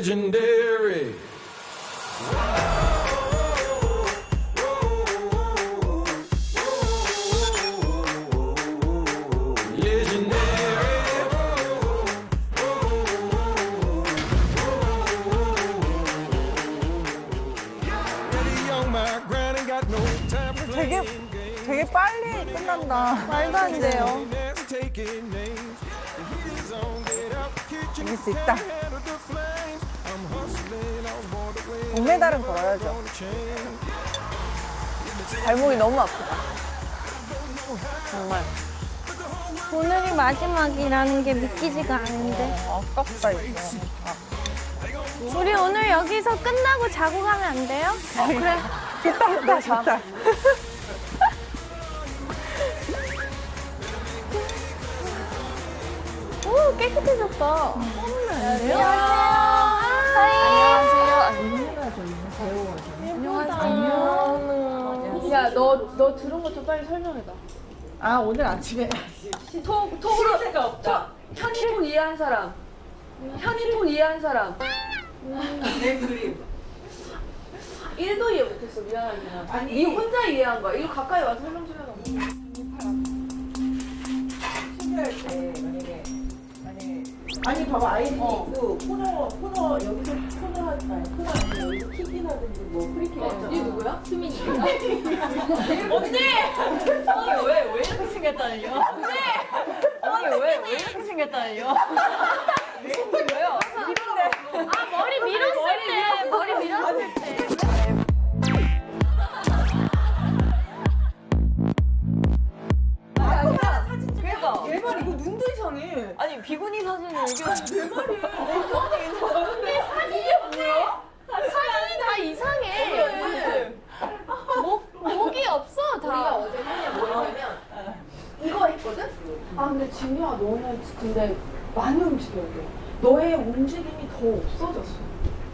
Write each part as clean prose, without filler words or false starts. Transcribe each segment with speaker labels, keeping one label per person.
Speaker 1: legendary.
Speaker 2: 되게 빨리 끝난다. 말도 안 돼요. 이길 수 있다. 동메달은 걸어야죠. 발목이 너무 아프다. 정말.
Speaker 3: 오늘이 마지막이라는 게 믿기지가 않은데.
Speaker 2: 아깝다, 이거.
Speaker 3: 우리 오늘 여기서 끝나고 자고 가면 안 돼요?
Speaker 2: 그래. 좋다, 좋다.
Speaker 3: 오, 깨끗해졌다. 안녕하세요.
Speaker 4: 안녕하세요. 야, 너 들은 거 좀 빨리 설명해봐.
Speaker 2: 아, 오늘 아침에.
Speaker 4: 톡으로 새가 없다. 현인폰 이해한 사람. 현인폰 이해한 사람.
Speaker 2: 내 그림.
Speaker 4: 1도 이해 못했어. 미안하지만. 아니, 니 혼자 이해한 거야. 이거 가까이 와서 설명 좀 해봐.
Speaker 5: 신고할 때 만약에 봐봐 아이디 그 코너 여기서 코너 아니야 여기서 킥이라든지 뭐 프리킥 했잖아.
Speaker 4: 니 누구야? 수민이.
Speaker 5: 언니 왜 이렇게 생겼다는요? 언니 왜 이렇게 생겼다는요? 왜요?
Speaker 3: 아, 머리 밀었을 때.
Speaker 5: 얘발 이거 눈도 이상해.
Speaker 2: 아니, 비구니 사진을 이게.
Speaker 5: 얘발이
Speaker 4: 근데 사진이 뭐야? 사진이 다 이상해. 목이 없어, 다. 우리가 어제 한게 뭐냐면 이거 했거든? 아, 근데 진유야, 너는 근데 많이 움직여야 돼. 너의 움직임이 더 없어졌어.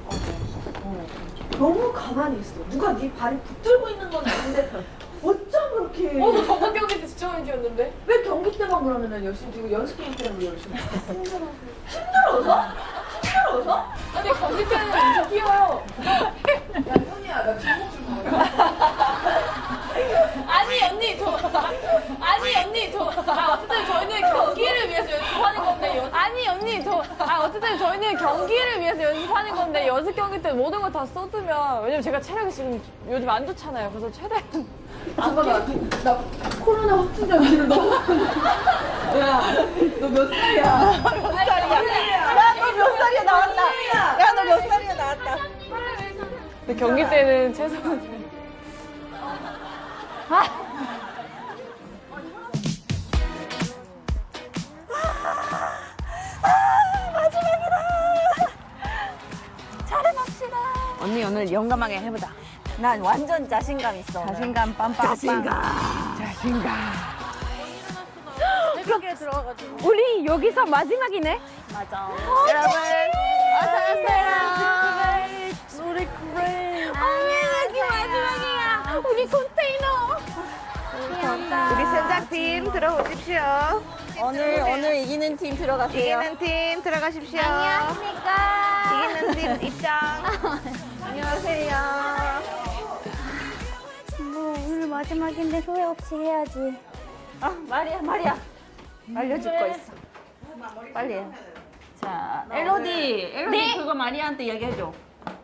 Speaker 4: 너무 가만히 있어. 누가 네 발을 붙들고 있는 건 아닌데 어쩜 그렇게. 너 저번 경기 때 진짜 많이 뛰었는데? 왜 경기 때만 그러면 열심히 뛰고 연습 게임 때는 왜 열심히 뛰어? 힘들어서? 아니 경기 때는 엄청 뛰어요. 야 현이야 나 주먹 좀 봐요. 어쨌든 저희는 경기를 위해서 연습하는 건데 연습 경기 때 모든 걸 다 쏟으면 왜냐면 제가 체력이 지금 요즘 안 좋잖아요. 그래서 최대한 잠깐만 나 코로나 확진자를 너무 야 너 몇 살이야?
Speaker 2: 야, 너 몇 살이야, 나왔다. 야, 너 몇 살이야, 나왔다.
Speaker 4: 근데 경기 때는 최소한
Speaker 2: 언니 오늘 용감하게 해보자. 난 완전 자신감 있어. 자신감 빰빰빰. 자신감.
Speaker 3: 새벽에 들어와가지고. 우리 여기서 마지막이네?
Speaker 2: 맞아.
Speaker 3: 여러분,
Speaker 2: 어서오세요.
Speaker 3: 우리 그래. 여기 마지막이야. 우리 컨테이너.
Speaker 2: 우리 sen작팀 들어오십시오. 오늘 이기는 팀 들어가세요. 이기는 팀 들어가십시오.
Speaker 3: 안녕하십니까.
Speaker 2: 이기는 팀 입장. 안녕하세요.
Speaker 3: 뭐 오늘 마지막인데 후회 없이 해야지.
Speaker 2: 아, 말이야. 알려줄 거 있어. 빨리 해. 자, 엘로디
Speaker 3: 네.
Speaker 2: 그거 마리아한테 얘기해줘.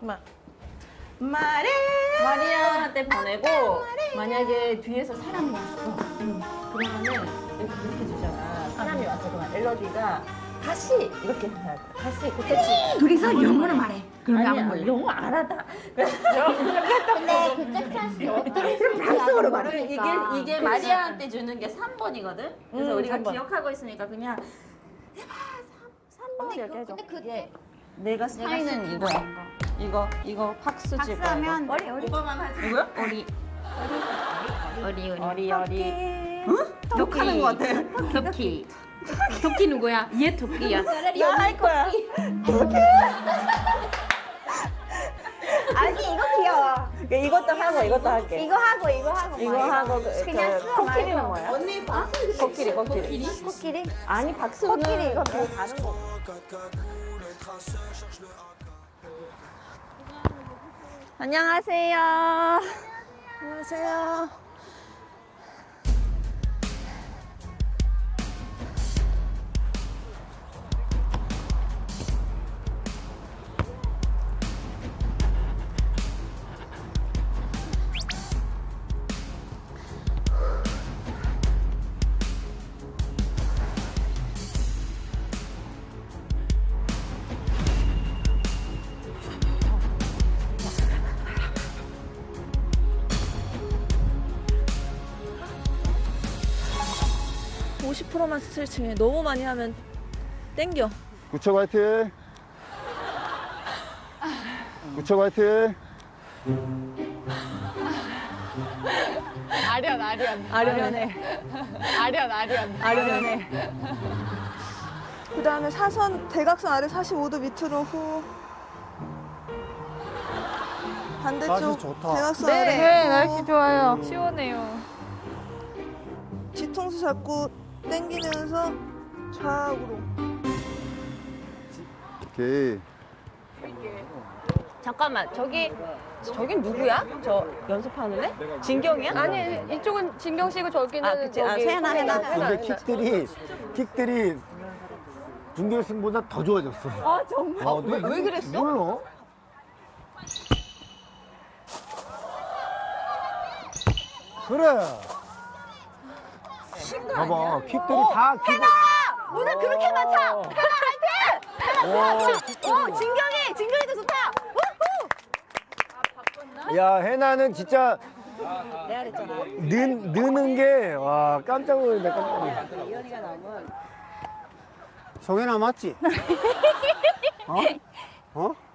Speaker 2: 마리아한테 보내고 만약에 뒤에서 사람이 왔어. 그러면은 이렇게 주잖아. 사람이 왔어. 그러면 엘로디가 다시 이렇게 해야 돼. 다시 그때
Speaker 3: 둘이서 영어로 말해. 그럼
Speaker 2: 아니야, 영어 알아다.
Speaker 3: 근데 그 짝짝이 어떻게
Speaker 2: 프랑스어로 말해. 이게 마리아한테 주는 게 3번이거든. 그래서 우리가
Speaker 5: 3번.
Speaker 2: 기억하고 있으니까 그냥 해봐 3번 이렇게 해줘.
Speaker 3: 근데 그
Speaker 2: 이게 내가 사인은 이거야. 이거 팍스 칠 거야.
Speaker 3: 박수하면
Speaker 2: 오빠만 하지. 누구야? 어리. 응?
Speaker 5: 욕하는 거 같아.
Speaker 2: 토끼. 토끼 누구야? 얘 토끼야.
Speaker 5: 나 할 거야.
Speaker 2: 아니 이거 귀여워. 이것도 하고 이것도 할게.
Speaker 3: 이거 하고
Speaker 2: 이거 하고
Speaker 3: 그냥 쓰어
Speaker 2: 코끼리는
Speaker 3: 말고.
Speaker 2: 뭐야?
Speaker 5: 언니 박수
Speaker 2: 코끼리.
Speaker 3: 코끼리?
Speaker 2: 아니 박수는
Speaker 3: 코끼리 이거
Speaker 2: 그 가는 거.
Speaker 3: 안녕하세요. 안녕하세요. (50%만) 스트레칭해. 너무 많이 하면 땡겨.
Speaker 1: 구척 화이팅! 구척 화이팅!
Speaker 3: 아련해. 아련해. 그 다음에 사선, 대각선 아래 45도 밑으로 후. 반대쪽
Speaker 1: 날씨 좋다.
Speaker 3: 대각선 아래 후.
Speaker 4: 좋아요. 시원해요.
Speaker 3: 뒤통수 잡고 당기면서 좌우로.
Speaker 1: 오케이.
Speaker 2: 잠깐만, 저긴 누구야? 저 연습하는 애? 진경이야?
Speaker 4: 아니 이쪽은 진경 씨고 저기는
Speaker 2: 아, 그치. 아, 세나, 해나.
Speaker 6: 근데 킥들이 준결승보다 더 좋아졌어.
Speaker 2: 아, 정말? 왜 그랬어?
Speaker 6: 몰라. 그래. 봐봐, 킥들이 다 해나!
Speaker 2: 오늘 그렇게 많다! 진경이도 좋다!
Speaker 6: 야, 해나는 진짜
Speaker 2: 내가 그랬잖아.
Speaker 6: 느는 게, 와, 깜짝 놀랐네, 깜짝 놀랐네.
Speaker 2: 이현이가 나오면
Speaker 6: 정현아 맞지? 어? 어?